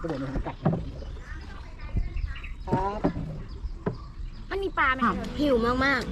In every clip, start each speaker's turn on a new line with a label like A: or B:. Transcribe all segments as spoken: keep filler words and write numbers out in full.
A: ก็บอกมันกัดครับ
B: มันมีปลาไหมหิวมาก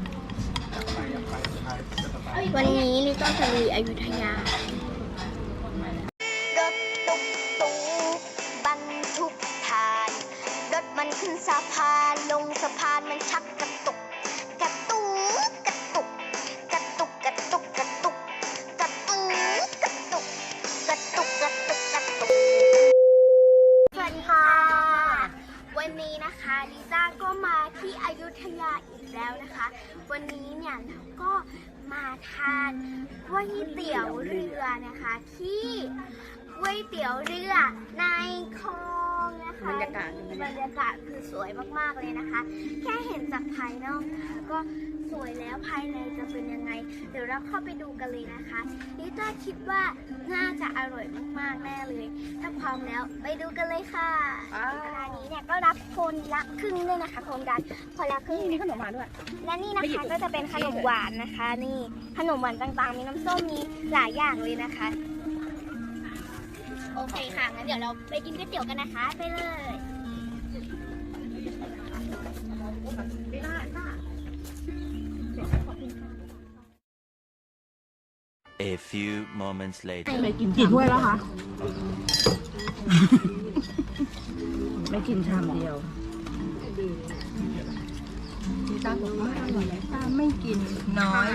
B: ๆวันนี้ลิต้าจะลุยอยุธยารถตุ๊กตุ๊กบรรทุกถ่านรถมันขึ้นสะพานลงสะพานมันชักกระตุกกระตุกกระตุกกระตุกกระตุกกระตุกกระตุกกระตุกกระตุกกระตุกกระตุกสวัสดีค่ะวันนี้นะคะลิต้าก็มาที่อยุธยาอีกแล้วนะคะวันนี้เนี่ยเราก็มาทานก๋วยเตี๋ยวเรือนะคะที่ก๋วยเตี๋ยวเรือในคลองนะคะบรรยากาศบรรยากาศคือสวยมากๆเลยนะคะแค่เห็นจากภายนอกก็สวยแล้วภายในจะเป็นยังไงเดี๋ยวเราเข้าไปดูกันเลยนะคะลิต้าคิดว่าน่าจะอร่อยมากๆแน่เลยถ้าพร้อมแล้วไปดูกันเลยค่ะร้านนี้เนี่ยก็รับคนละครึ่งด้วยนะคะโครงการคนละครึ่งมีขนมหวานด้วยและนี่นะคะก็จะเป็นขนมหวานนะคะนี่ขนมหวานต่างๆมีน้ำส้มมีหลายอย่างเลยนะคะโอเคค่ะงั้นเดี๋ยวเราไปกินก๋วยเตี๋ยวกันนะคะไปเลย
C: A few moments later
D: ไม่กินกี่ถ้วยแล้วคะ ไม่กินชามเดียวพี่ตาบอกว่าอร่อยตาไม่กินน้อย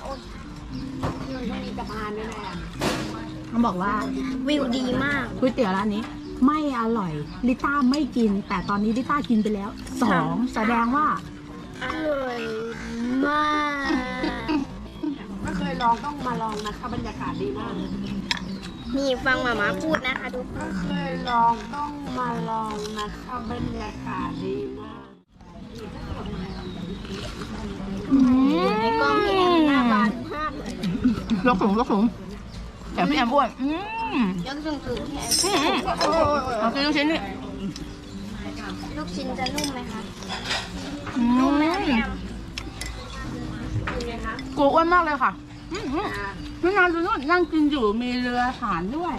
D: เขาบอกว่า
B: วิวดีมาก
D: ก๋วยเตี๋ยวร้านนี้ไม่อร่อยลิต้าไม่กินแต่ตอนนี้ลิต้ากินไปแล้วสองแสดงว่า
B: อร่อยมาก
A: ไม่เคยลองต้องมาลองนะคะบรรยากาศดีมาก
B: นี่ฟังหมาม่าพูดนะคะทุกคน
A: ไม่เคยลองต้องมาลองนะคะบรรยากาศดีมาก
B: ในกล้องพี่แอมหน้าบานมากเลย
D: ยกสูงยกสูงแต่พี่แอมอ้วน
B: ยกสูงสูงพี่แอม
D: เอากินลูกชิ้นนี่
B: ลูกชิ้นจะนุ่มไหมคะ
D: นุ่มไหมกูอ้วนมากเลยค่ะไม่นานดูนู่นนั่งกินอยู่มีเรือหานด้วย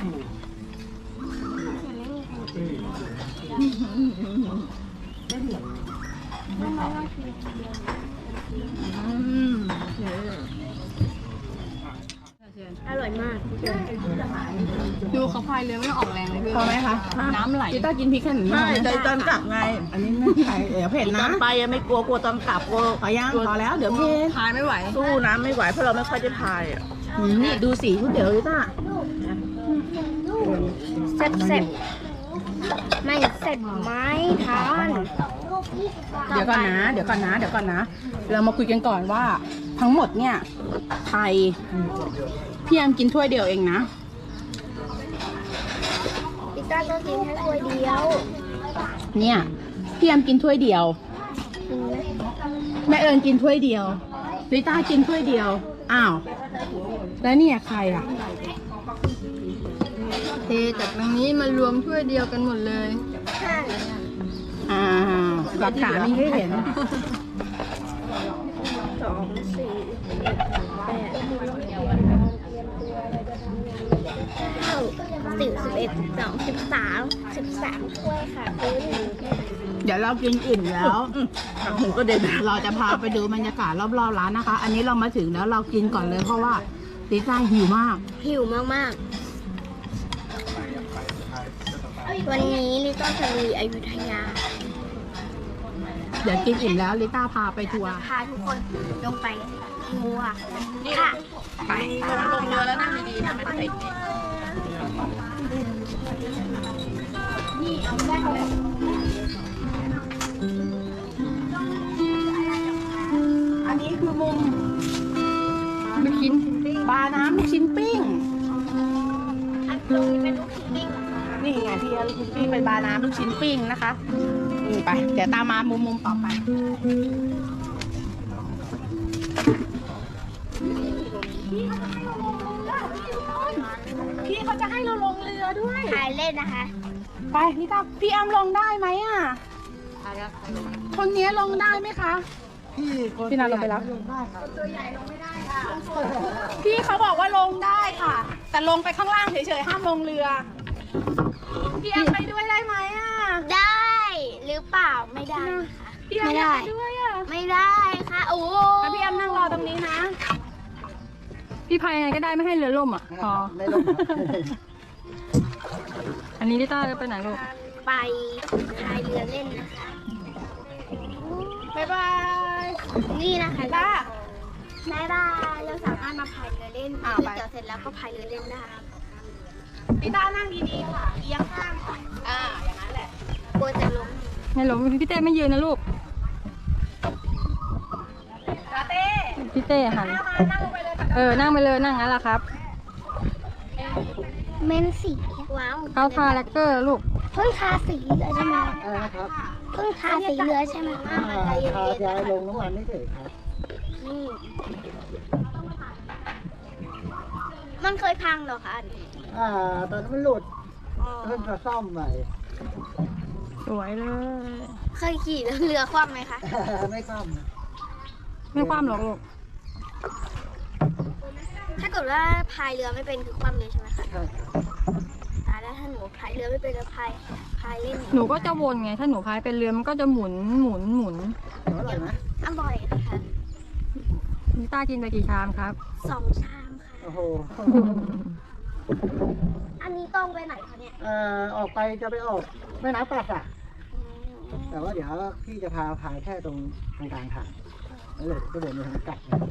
B: อร่อยมาก
D: ดูเขาพายเรือไม่ต้องออกแรงเลยพี่พอไหมคะน้ำไหลพี่ต้ากินพริกแค่หนึ่งไม่ใจตอนกลับไงอันนี้ไม่ใช่เดี๋ยวเผ็ดนะตอนไปยังไม่กลัวกลัวตอนกลับกลัวพยังพอแล้วเดี๋ยวเผ็ดพายไม่ไหวสู้น้ำไม่ไหวเพราะเราไม่ค่อยจะพายอ่ะนี่ดูสีก๋วยเตี๋ยวพี่ต้า
B: เสร็จเสร็จไม่เสร็จไหมทาน
D: เดี๋ยวก่อนนะเดี๋ยวก่อนนะเดี๋ยวก่อนนะเรามาคุยกันก่อนว่าทั้งหมดเนี่ยไทยพี่แอมกินถ้วยเดียวเองนะ
B: พี่ต้าก็กินแค่ถ้วยเดียว
D: เนี่ยพี่แอมกินถ้วยเดียวแม่เอิญกินถ้วยเดียวลิต้ากินถ้วยเดียวอ้าวแล้วเนี่ยใครอ่ะ
E: เทจากตรงนี้มารวมถ้วยเดียวกันหมดเลย
B: ใช่
D: อ่าหลักฐานมีให้เห็น
B: สองสี่แปดเก้าสิบสิบเอ็ดสิบสองสิบสามสิบสามถ้วยค่ะคุณ
D: เดี๋ยวเรากินอิ่มแล้วหูก็เด็ดเราจะพาไปดูบรรยากาศรอบๆร้านนะคะอันนี้เรามาถึงแล้วเรากินก่อนเลยเพราะว่าลิต้าหิวมาก
B: หิวมากๆวันนี้ลิต้าจะลุยอยุธยา
D: เดี๋ยวกินอิ่มแล้วลิต้าพาไปทัวร์
B: พาทุกคนลงไปทัวร์ค่ะ
D: ไปลงเรือแล้วนั่งดีๆนะไม่ต้องติดอันนี้คือมุมลูกชิ้นปลาน้ำลูกชิ้นปิ้ง
B: อันตรงนี้เป็นลูกชิ้นปิ้ง
D: นี่ไงที่ลูกชิ้นปิ้งเป็นปลาน้ำลูกชิ้นปิ้งนะคะนี่ไปเดี๋ยวตามมามุมมุมต่อไปพี่เขาจะให้เราลงเรือด้วย
B: ถ่ายเล่นนะคะ
D: ไปพี่ตาพี่แอมลงได้ไหมอ่ะคนนี้ลงได้ไหมคะพี่พี่นาลงไปแล้วตัวใหญ่ลงไม่ได้ค่ะพี่เขาบอกว่าลงได้ค่ะแต่ลงไปข้างล่างเฉยๆห้ามลงเรือพี่แอมไปด้วยได้ไหมอ่ะ
B: ได้หรือเปล่าไม่ได้ค่ะ
D: พี่แอม
B: ไม่
D: อยา
B: ได้
D: กไปด้วยอ่ะ
B: ไม่ได้ค่ะโอ้
D: งั้นพี่แอมนั่งรอตรงนี้นะ พี่พายยังไงก็ได้ไม่ให้เรือล่มอ่ะพอ
F: ไม่ลง
D: อันนี้ลิต้าจะไปไหนลูก
B: ไปพายเรือเล่นนะคะ
D: บ๊ายบาย
B: นี่นะคะ
D: ป้า
B: บ๊ายบายเราสามารถมาพายเรือเล่น
D: อ้าว
B: ก๋วย
D: ไป
B: เตี๋ยวเสร็จแล้วก็พายเรือเล่นได้
D: ลิต้านั่งดีๆค่ะเอียงข้างค่ะอ่าอย่างนั้นแหละ
B: กลัวจะล้ม
D: ไม่ล้มพี่เต้ไม่ยืนนะลูกพี่เต้หันเออนั่งไปเลยนั่งงั้นแหละครับ
B: เมนสีว้าว
D: เขาทาแลกเกอร์ลูก
B: เพิ่งทาสีเรือใช่ไหม
F: อะไรนะครับ
B: เพิ่งทาสีเรือใช่ไหม
F: อ่าทาย้ายลงน้ำมันไม่เฉยครับ
B: นี่มันเคยพังเหรอคะ
F: อ่า ตอนนั้นมันหลุด
B: อ๋อ
F: เพิ่งจะซ่อมใหม่
D: สวยเลย
B: เคยขี่แล้วเรือคว่ำไหมคะ
F: ไม่ซ่อมนะ
D: ไม่ความหรอกลูก
B: ถ้าเกิดว่าพายเรือไม่เป็นคือคว่ำเลยใช่ไหมคะ
F: ใช่
B: ตายแล้วถ้าหนูพายเรือไม่เป็นแล้วพายพายเล่น
D: หนูก็จะวนไงถ้าหนูพายเป็นเรือมันก็จะหมุนหมุนหมุน
F: เดี๋ยวอร่อยไหม
B: อร่อยนะคะ
D: ลิต้ากินไปกี่ชามครับ
B: สองชามค่ะ
F: โอ้โห
B: อันนี้ต้องไปไหนคะเนี่ย
F: เอ่อออกไปจะไปออกแม่น้ำป่าสักแต่ว่าเดี๋ยวพี่จะพาพายแค่ตรงกลางกลางๆทางแล้วเลยก็เดินไปทางกลับนะครับ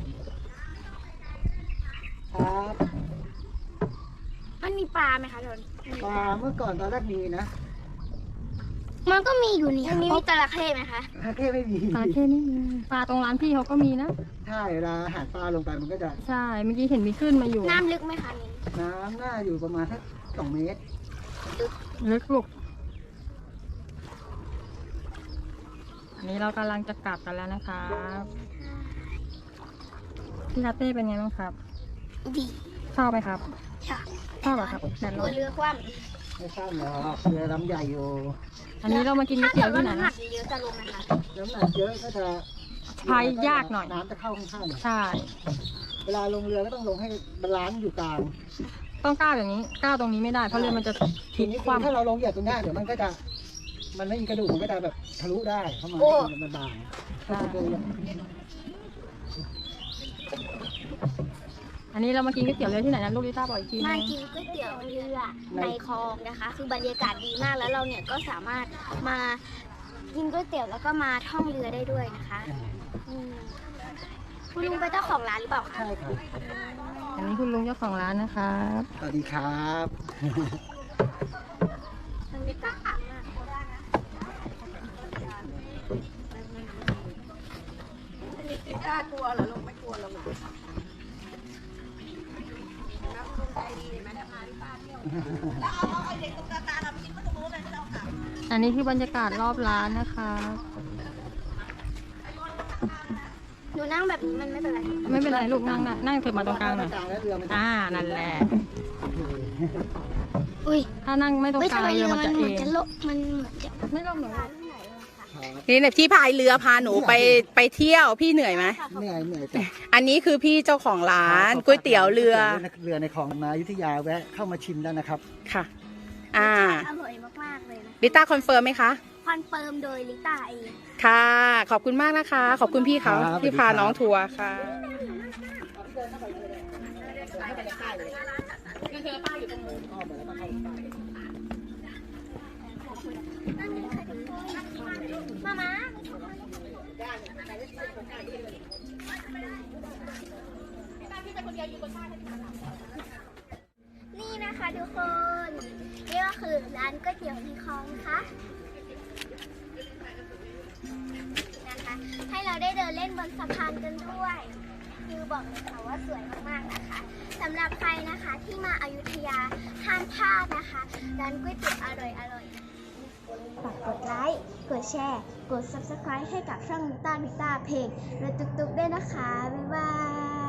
B: มันมีปลาไหมคะทน
F: ปลาเมื่อก่อนตอนแรกมีนะ
B: มันก็มีอยู่นี่มันมีจระเข้ไหมคะ
F: ฮาเท่ไม่มี
D: ปลาแค่นี้ปลาตรงร้านพี่เขาก็มีนะ
F: ใช่เวลาหาปลาลงไปมันก็จะ
D: ใช่ เมื่อกี้เห็นมีขึ้นมาอยู่
B: น้ำลึกไหมคะนี่
F: น้ำหน้าอยู่ประมาณสักสองเมตร
D: ลึกลูกอันนี้เรากำลังจะกลับกันแล้วนะครับพี่ลาเต้เป็นไงบ้างครับ
B: ดี
D: ชอบไหมครับ
B: ค่ะ
D: ชอบเหรอครับแดด
B: ก
D: ร้
B: ลั
D: อ
B: วน เรือคว่
F: ไม่ทราบหรอกเรือลำใหญ่อยู่
D: อันนี้เรามากิน
B: ำ
D: ก๋ว
B: ถ้าย
D: เตี๋
B: เกิ
D: ยว
B: ดว่า
D: ที่ไหน
B: น้ำหนักเยอะจะลงไหมคะ
F: น้ำหนักเยอะก็จะ
D: พายยากหน่อย
F: น้ำจะเข้าข้างๆหน่อย
D: ใช่
F: เวลาลงเรือก็ต้องลงให้บาลานซ์อยู่กลาง
D: ต้องก้าวอย่างนี้ก้าวตรงนี้ไม่ได้เพราะเรือมันจะพ
F: ที
D: ลิก
F: นี้
D: คว่
F: ถ้าเราลงเหยียบตรงหน้าเดี๋ยวมันก็จะ มันไม่มีกระดูกมันก็จะแบบทะลุได้เข้ามามันบาง
D: ำ
F: ถ้า
D: ใช่
F: เป็นเรือ
D: อันนี้เรามากินก๋วยเตี๋ยวเรือที่ไหนนะลูกลิต้าบอกอีกที
B: มา
D: นึง
B: กินก๋วยเตี๋ยวเรือในคลองนะคะ คือบรรยากาศดีมากแล้วเราเนี่ยก็สามารถมากินก๋วยเตี๋ยวแล้วก็มาท่องเรือได้ด้วยนะคะอืมคุณลุงเป็นเจ้าของร้านหรือเปล่าคะ
F: ใช่ครับ
D: อันนี้คุณลุงเจ้าของร้านนะครับ
F: สวัสดีครับ
B: มันไม่กล้ามาก
D: กล้ากลัวเหรอลุงไม่กลัวหรอกอันนี้คือบรรยากาศรอบร้านนะคะ
B: หนูนั่งแบบนี้มันไม่เป็นไร
D: ไม่เป็นไรลูกนั่งนะนั่งเถิดมาตรงกลางหน่อย
F: กลางแล้วเรือมันจะ
D: อ่านั่นแหละ
B: อุ้ย
D: ถ้านั่งไม่ตรง
B: ไม่
D: กลาง
B: ทำไม
D: เรื
B: เรือ อ
D: มัน
B: มัน
D: จะ
B: เห
D: เอ
B: มือน
D: ง
B: จะโลมันเหมือนจะ
D: ไม่ลงหนู
G: นี่เนี่ยที่พายเรือพาหนูไปไปเที่ยวพี่เหนื่อยไหม
F: เหนื่อยเหนื่อยจ้ะ
G: อันนี้คือพี่เจ้าของร้านก๋วยเตี๋ยวเรือ
F: เรือในคลองมาอยุธยาแวะเข้ามาชิมได้นะครับ
G: ค่ะ อ่า
B: อร่อยมากๆเลยนะ
G: ลิต้าคอนเฟิร์มไหมคะ
B: คอนเฟิร์มโดยลิต้าเอง
G: ค่ะ ขอบคุณมากนะคะ ขอบคุณพี่เขา
F: ครับ
G: ที่พาน้องทัวร์ค่ะ
B: มามานี่นะคะทุกคน นี่ก็คือร้านก๋วยเตี๋ยวในคลองนะคะนะคะ ให้เราได้เดินเล่นบนสะพานกันด้วย คือบอกเลยค่ะว่าสวยมากๆนะคะสำหรับใครนะคะที่มาอยุธยาห้ามพลาดนะคะร้านก๋วยเตี๋ยวอร่อยๆฝากกดไลค์ กดแชร์ กด ซับสไครบ์ ให้กับช่องมิต้ามิต้าเพลงรถตุ๊กๆด้วยนะคะ บ๊ายบาย